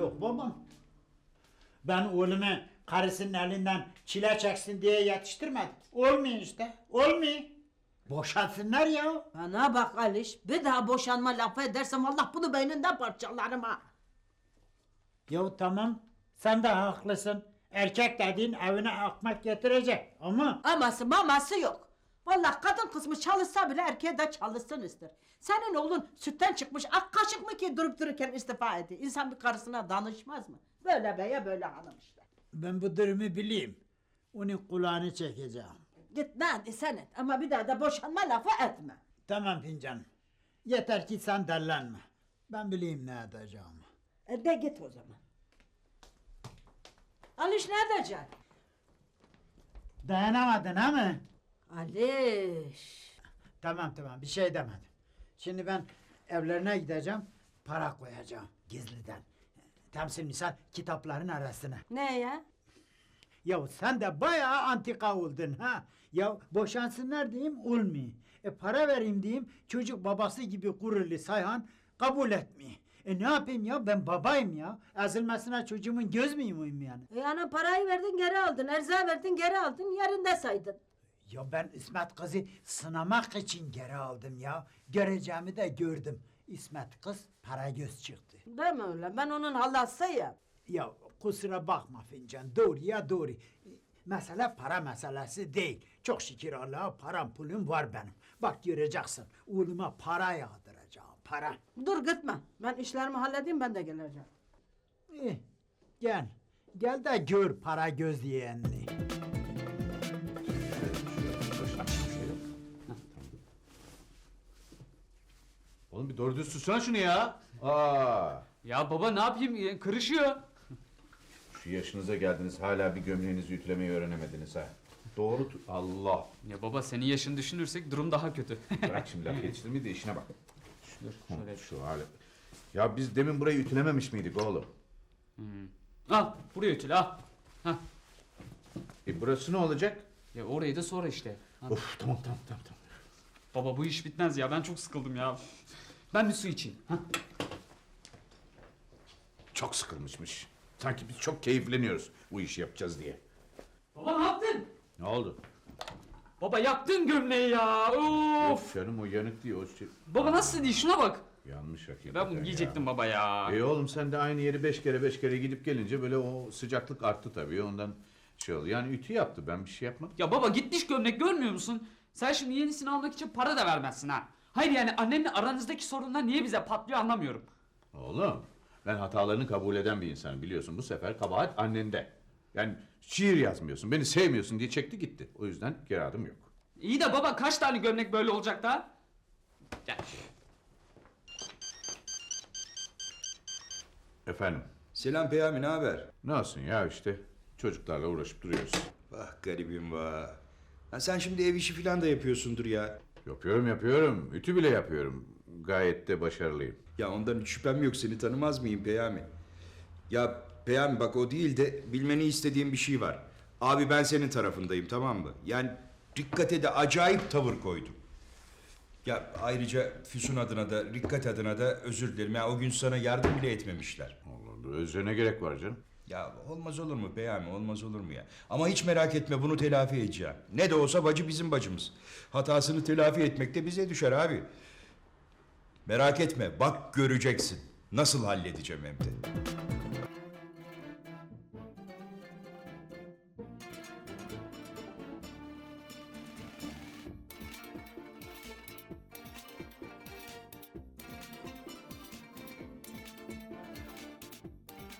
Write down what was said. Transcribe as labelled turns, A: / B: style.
A: Yok babam. Ben oğlumu karısının elinden çile çeksin diye yetiştirmedim. Olmuyor işte. Olmuyor. Boşansınlar ya.
B: Bana bak Aliş, bir daha boşanma lafı edersem Allah bunu beyninden parçalarım ha.
A: Ya tamam. Sen de haklısın. Erkek dediğin evine ekmek getirecek. Ama
B: Aması maması yok. Vallahi kadın kısmı çalışsa bile erkeğe de çalışsın ister. Senin oğlun sütten çıkmış ak kaşık mı ki durup dururken istifa ediyor? İnsan bir karısına danışmaz mı? Böyle beye böyle hanım işte.
A: ben bu durumu bileyim. Onun kulağını çekeceğim.
B: Git ne sen et ama bir daha da boşanma lafı etme.
A: Tamam fincanım. Yeter ki sen dellenme. Ben bileyim ne edeceğim.
B: De git o zaman. Aliş ne edeceksin?
A: Dayanamadın ha mı?
B: Aliş.
A: Tamam bir şey demedim. Şimdi ben evlerine gideceğim. Para koyacağım gizliden. Temsil misal kitapların arasına.
B: Ne ya?
A: Ya sen de bayağı antika oldun ha. Ya boşansınlar diyeyim olmuyor. Para vereyim diyeyim çocuk babası gibi gururlu Sayhan kabul etmiyor. Ne yapayım ya ben babayım ya. Ezilmesine çocuğumun göz müyüm yani?
B: Yani parayı verdin geri aldın, erzağı verdin geri aldın, yerinde saydın.
A: Ya ben İsmet kızı sınamak için geri aldım ya. Göreceğimi de gördüm. İsmet kız para göz çıktı.
B: Değil mi öyle? Ben onun halasıyım.
A: Ya kusura bakma fincan doğru ya doğru. Mesele para meselesi değil. Çok şükür Allah'a param pulum var benim. Bak göreceksin oğluma para yağdıracağım para.
B: Dur gitme. Ben işlerimi halledeyim ben de geleceğim.
A: İyi, gel. Gel de gör para göz yeğenini.
C: Oğlum bir doğru düz tutsana şunu ya. Aa,
D: Ya baba ne yapayım? Kırışıyor.
C: şu yaşınıza geldiniz hala bir gömleğinizi ütülemeyi öğrenemediniz ha. Doğru Allah.
D: Ya baba senin yaşını düşünürsek durum daha kötü.
C: Bırak şimdi laf yetiştirmeyi de işine bak.
D: Dur şöyle.
C: Şu hali. Ya biz demin burayı ütülememiş miydik oğlum?
D: Al buraya ütüle al. Hah.
C: Burası ne olacak?
D: Ya orayı da sonra işte. Al.
C: Of tamam.
D: Baba bu iş bitmez ya ben çok sıkıldım ya. Ben bir su içeyim. Hah.
C: Çok sıkılmışmış. Sanki biz çok keyifleniyoruz bu işi yapacağız diye.
D: Baba ne yaptın?
C: Ne oldu?
D: Baba yaktın gömleği ya. Of.
C: Yok canım o yanık değil o şey.
D: Baba nasıl değil şuna bak.
C: Yanmış hakikaten
D: Ben bunu giyecektim baba ya.
C: Oğlum sen de aynı yeri 5 kere gidip gelince böyle o sıcaklık arttı tabii ondan şey oldu. Yani ütü yaptı ben bir şey yapmadım.
D: Ya baba gitmiş gömlek görmüyor musun? Sen şimdi yenisini almak için para da vermezsin ha. Hayır yani annemle aranızdaki sorunlar niye bize patlıyor anlamıyorum.
C: Oğlum ben hatalarını kabul eden bir insanım biliyorsun. Bu sefer kabahat annende. Yani şiir yazmıyorsun, beni sevmiyorsun diye çekti gitti. O yüzden geri adım yok.
D: İyi de baba kaç tane gömlek böyle olacak da? Gel.
C: Efendim,
E: Selam Peyami, ne haber?
C: ne olsun ya işte çocuklarla uğraşıp duruyoruz.
E: Vah garibim vah. Ha, sen şimdi ev işi falan da yapıyorsundur ya.
C: Yapıyorum. Ütü bile yapıyorum. Gayet de başarılıyım.
E: Ya ondan hiç şüphem yok, seni tanımaz mıyım Peyami? Ya Peyami bak o değil de bilmeni istediğim bir şey var. Abi ben senin tarafındayım, tamam mı? Yani Rikkat'e de acayip tavır koydum. Ya ayrıca Füsun adına da Rikkat adına da özür dilerim. Ya o gün sana yardım bile etmemişler.
C: Allah Allah, özre ne gerek var canım?
E: Ya olmaz olur mu Peyami, olmaz olur mu ya? Ama hiç merak etme, bunu telafi edeceğim. Ne de olsa bacı bizim bacımız. Hatasını telafi etmek de bize düşer abi. Merak etme, bak göreceksin. Nasıl halledeceğim hem de.